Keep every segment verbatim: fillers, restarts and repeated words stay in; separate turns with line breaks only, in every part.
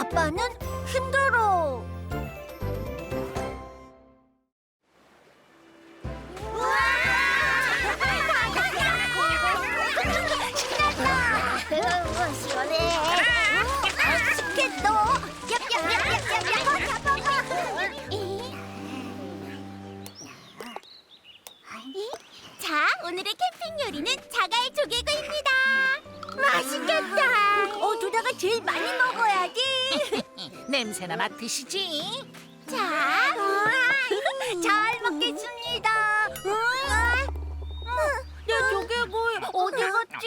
아빠는 힘들어. 신났다. 시원해. 스케트.
자, 오늘의 캠핑 요리는 자갈 조개구이입니다.
맛있겠다. 어, 두다가 제일 많이 먹어야지.
냄새나 맡으시지.
자,
잘 먹겠습니다. 우와. 내 조개구이 어디 갔지?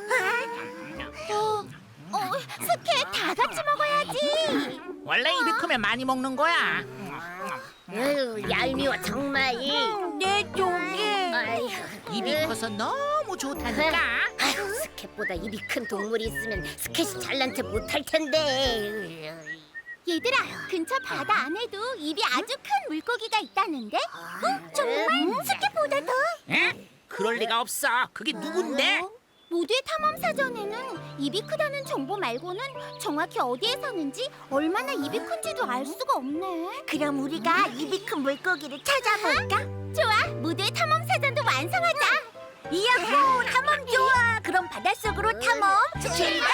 어, 어, 스케 다 같이 먹어야지.
원래 입이 크면 많이 먹는 거야.
으, 얄미워 정말.
내 조개.
아이고,
입이 커서 너무 좋다니까.
아휴, 스캣보다 입이 큰 동물이 있으면 스캣이 잘난 체 못할 텐데.
얘들아, 근처 바다 안에도 입이 아주 큰 물고기가 있다는데? 어, 정말? 스케보다 더?
에? 그럴 리가 없어. 그게 누군데?
모두의 탐험 사전에는 입이 크다는 정보 말고는 정확히 어디에 사는지 얼마나 입이 큰지도 알 수가 없네.
그럼 우리가 입이 큰 물고기를 찾아볼까?
좋아, 모두의 탐험 사전도 완성하자.
이야호, 탐험 좋아. 그럼 바닷속으로 탐험 출발!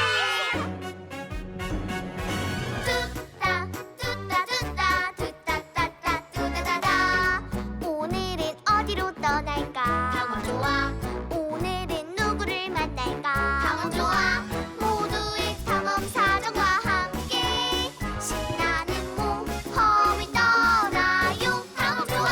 뚜따 뚜따 뚜따 뚜따 따따 뚜따다다. 오늘은 어디로 떠날까? 탐험 좋아. 오늘은 누구를 만날까? 탐험 좋아. 모두의 탐험 사전과 함께 신나는 모험을 떠나요. 탐험 좋아.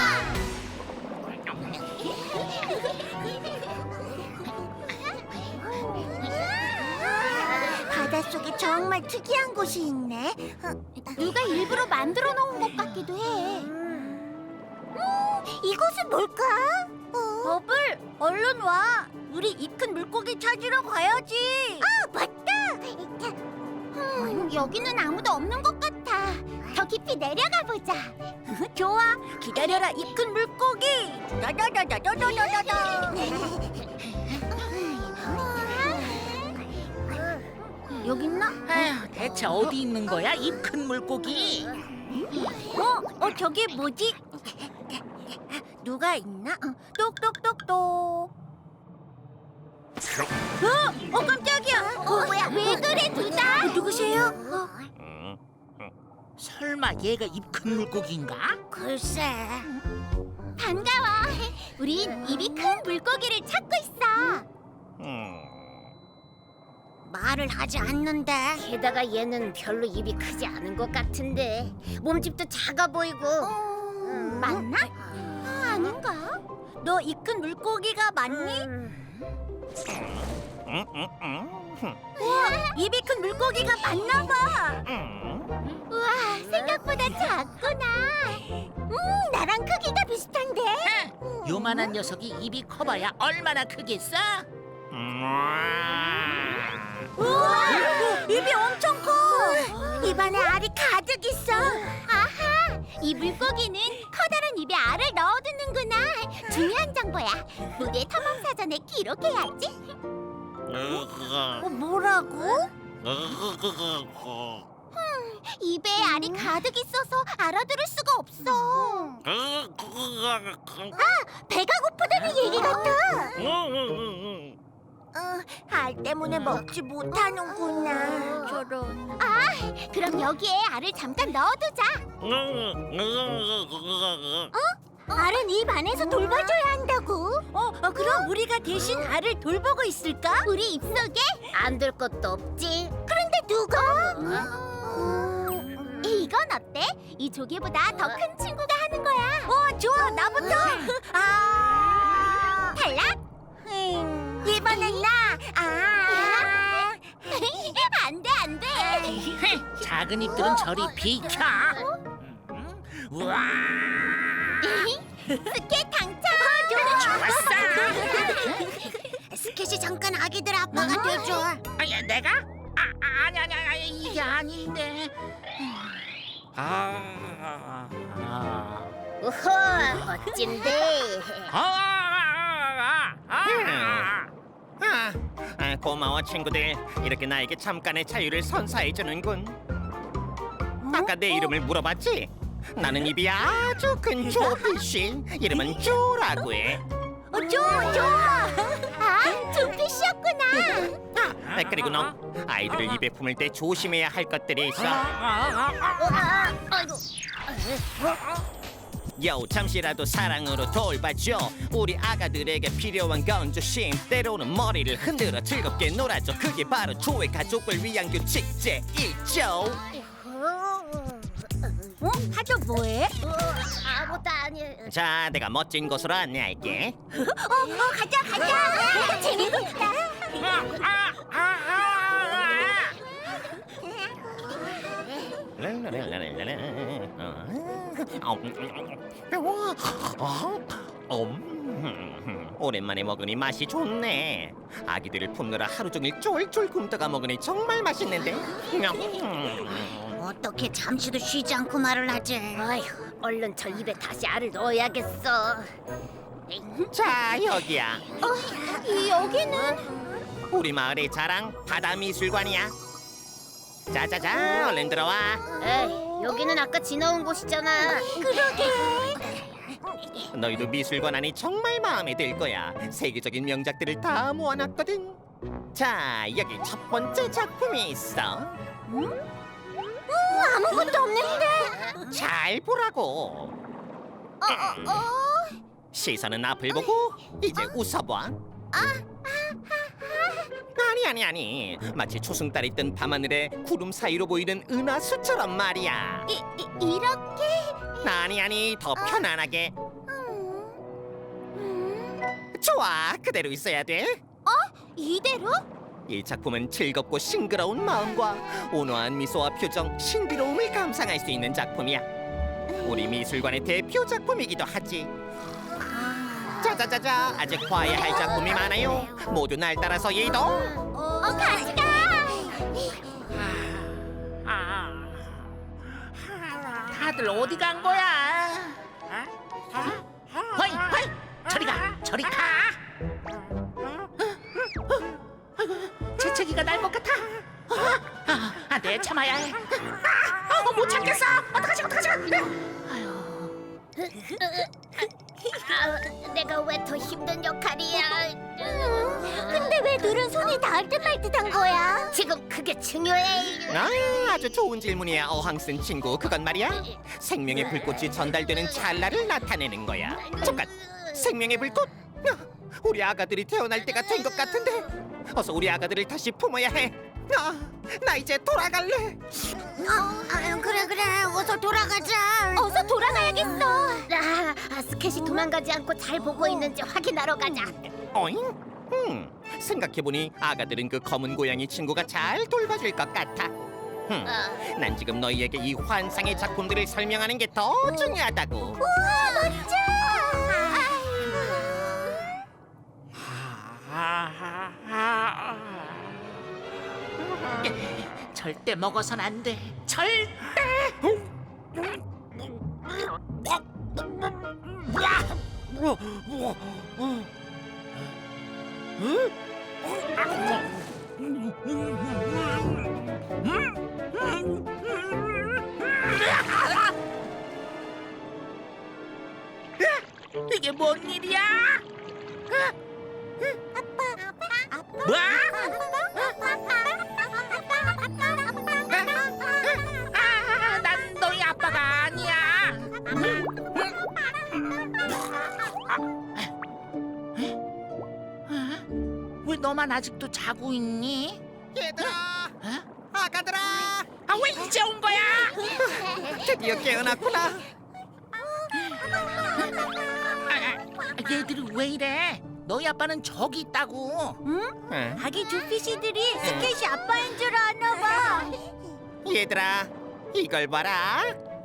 바닷속에 정말 특이한 곳이 있네.
누가 일부러 만들어 놓은 것 같기도 해.
음, 이곳은 뭘까? 버블, 얼른 와. 우리 입 큰 물고기 찾으러 가야지. 아, 맞다.
음, 여기는 아무도 없는 것 같아. 더 깊이 내려가 보자.
좋아. 기다려라, 입 큰 물고기. 다다다다다다다다. 여기 있나?
아휴, 대체 어디 있는 거야? 입 큰 물고기.
어, 어, 저게 뭐지? 누가 있나? 어, 똑똑똑똑. 어, 어, 깜짝이야.
어, 뭐야? 왜 그래, 둘다?
어, 누구세요? 어,
설마 얘가 입 큰 물고기인가?
글쎄.
반가워. 우린 입이 큰 물고기를 찾고 있어.
말을 하지 않는데.
게다가 얘는 별로 입이 크지 않은 것 같은데 몸집도 작아 보이고.
음, 맞나? 아, 아닌가?
너 입 큰 물고기가 맞니? 우와, 입이 큰 물고기가 맞나 봐.
우와, 생각보다 작구나. 음, 나랑 크기가 비슷한데?
요만한 녀석이 입이 커봐야 얼마나 크겠어?
우와, 입이 엄청 커. 입안에 알이 가득 있어.
아하, 이 물고기는 커다란 입에 알을 넣어두는구나. 중요한 정보야. 무대 탐험 사전에 기록해야지.
어, 뭐라고?
입에 알이 가득 있어서 알아들을 수가 없어. 배가 고프다는 얘기 같아.
어, 알 때문에 먹지 못하는구나. 저런.
아, 그럼 여기에 알을 잠깐 넣어두자.
알은 입 안에서 돌봐줘야 한다고. 어, 어, 그럼 우리가 대신 알을 돌보고 있을까?
우리 입속에?
안 될 것도 없지.
그런데 누가?
이건 어때? 이 조개보다 더 큰 친구가 하는 거야.
어, 좋아, 나부터. 아,
탈락?
음, 이번엔 나. 아,
안 돼, 안 돼.
작은 입들은 저리 비켜. 음, 우와,
스케 당첨.
좋았어.
스케치 잠깐 아기들 아빠가 돼줘.
아야, 내가? 아, 아, 아니 아니 아니 이게 아닌데. 아, 아,
우호, 멋진데.
아, 아, 아, 아.
아, 아, 고마워 친구들. 이렇게 나에게 잠깐의 자유를 선사해 주는군. 아까 내 이름을 물어봤지? 나는 입이 아주 큰 조피쉬. 이름은 조라고 해.
어, 좋아, 좋아.
아, 조피쉬였구나.
아, 그리고 너 아이들을 입에 품을 때 조심해야 할 것들이 있어.
아이고.
요 잠시라도 사랑으로 돌봐줘. 우리 아가들에게 필요한 건 조심. 때로는 머리를 흔들어 즐겁게 놀아줘. 그게 바로 조의 가족을 위한 규칙 제일조.
어? 하죠 뭐해?
어, 아무것도 아니.
자, 내가 멋진 곳으로 안내할게.
어, 어, 가자, 가자. 재밌겠다.
음, 오랜만에 먹으니 맛이 좋네. 아기들을 품느라 하루 종일 쫄쫄 굶다가 먹으니 정말 맛있는데.
어떻게 잠시도 쉬지 않고 말을 하지?
아휴, 얼른 저 입에 다시 알을 넣어야겠어.
자, 여기야.
이 여기는
우리 마을의 자랑 바다미술관이야. 자자자, 얼른 들어와.
에이, 여기는 아까 지나온 곳이잖아.
그러게.
너희도 미술관 안이 정말 마음에 들 거야. 세계적인 명작들을 다 모아놨거든. 자, 여기 첫 번째 작품이 있어.
아무것도 없는데.
잘 보라고.
어, 어.
시선은 앞을 보고 이제 웃어봐. 아니 아니 아니, 마치 초승달이 뜬 밤하늘에 구름 사이로 보이는 은하수처럼 말이야.
이, 이 이렇게.
아니 아니, 더 편안하게. 좋아, 그대로 있어야 돼.
이대로?
이 작품은 즐겁고 싱그러운 마음과 온화한 미소와 표정, 신비로움을 감상할 수 있는 작품이야. 우리 미술관의 대표 작품이기도 하지. 자자자자, 아직 봐야 할 작품이 많아요. 모두 날 따라서 이동.
어, 같이 가.
다들 어디 간 거야? 허이 허이, 저리 가, 저리 가. 아이고, 재채기가 날 것 같아. 아, 안 돼, 참아야 해. 아, 못 참겠어. 어떡하지, 어떡하지?
아, 내가 왜 더 힘든 역할이야?
근데 왜 늘은 손이 닿을 듯 말 듯한 거야?
지금 그게 중요해.
아, 아주 좋은 질문이야, 어항쓴 친구. 그건 말이야, 생명의 불꽃이 전달되는 찰나를 나타내는 거야. 잠깐, 생명의 불꽃? 아, 우리 아가들이 태어날 때가 된 것 같은데. 어서 우리 아가들을 다시 품어야 해. 아, 나 이제 돌아갈래.
아, 아유, 그래 그래. 어서 돌아가자. 어서 돌아가야겠어.
아, 아, 스캣이 도망가지 않고 잘 보고 있는지 확인하러 가자.
어잉? 음, 생각해보니 아가들은 그 검은 고양이 친구가 잘 돌봐줄 것 같아. 음,
어.
난 지금 너희에게 이 환상의 작품들을 설명하는 게 더 중요하다고.
우와, 멋져.
절대 먹어선 안 돼. 절대. 이게 뭔 일이야? 뭐? 아, 난 너희 아빠가 아니야. 왜 너만 아직도 자고 있니?
얘들아,
어?
아가들아,
아, 왜 이제 온 거야?
드디어 깨어났구나.
아, 얘들이 왜 이래? 너희 아빠는 저기 있다고.
응?
응?
아기 조피시들이 스케치 아빠인 줄 아나 봐.
얘들아, 이걸 봐라.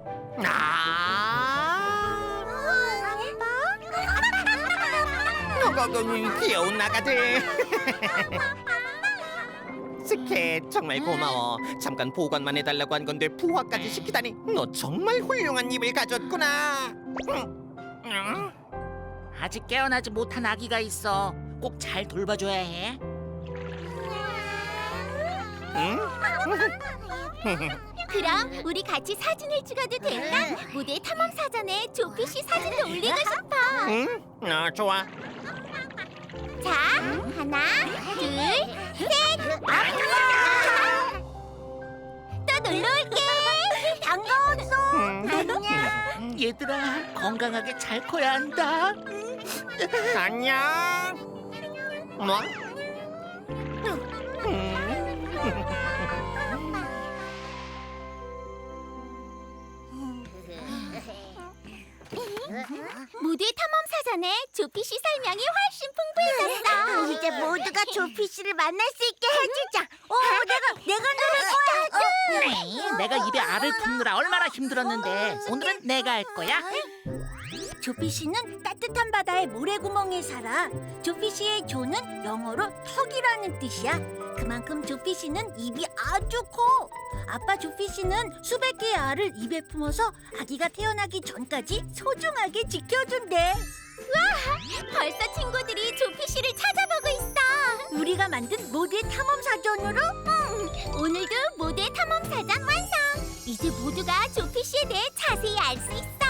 아, 너거는 귀여운 아가들. 스캣, 정말 고마워. 잠깐 보관만 해달라고 한 건데 부화까지 시키다니. 너 정말 훌륭한 입을 가졌구나. 응. 응?
아직 깨어나지 못한 아기가 있어. 꼭 잘 돌봐줘야 해.
응?
그럼 우리 같이 사진을 찍어도 될까? 모두의 탐험 사전에 조피 씨 사진도 올리고 싶어.
응? 어, 좋아.
자, 하나, 둘, 셋. 또 놀러 올게.
반가웠어.
음.
안녕.
얘들아, 건강하게 잘 커야 한다.
안녕. 뭐?
모두의 탐험 사전에 조피 씨 설명이 훨씬 풍부해졌어.
이제 모두가 조피 씨를 만날 수 있게 해주자. 어, 내가 내가 누를 거야.
네, 내가 입에 알을 품느라 얼마나 힘들었는데 오늘은 내가 할 거야.
조피 씨는 따뜻한 바다의 모래구멍에 살아. 조피 씨의 조는 영어로 턱이라는 뜻이야. 그만큼 조피 씨는 입이 아주 커. 아빠 조피 씨는 수백 개의 알을 입에 품어서 아기가 태어나기 전까지 소중하게 지켜준대.
벌써 친구들이 조피 씨를 찾아보고 있어.
우리가 만든 모두의 탐험 사전으로
오늘도 모두의 탐험 사전 완성. 이제 모두가 조피 씨에 대해 자세히 알 수 있어.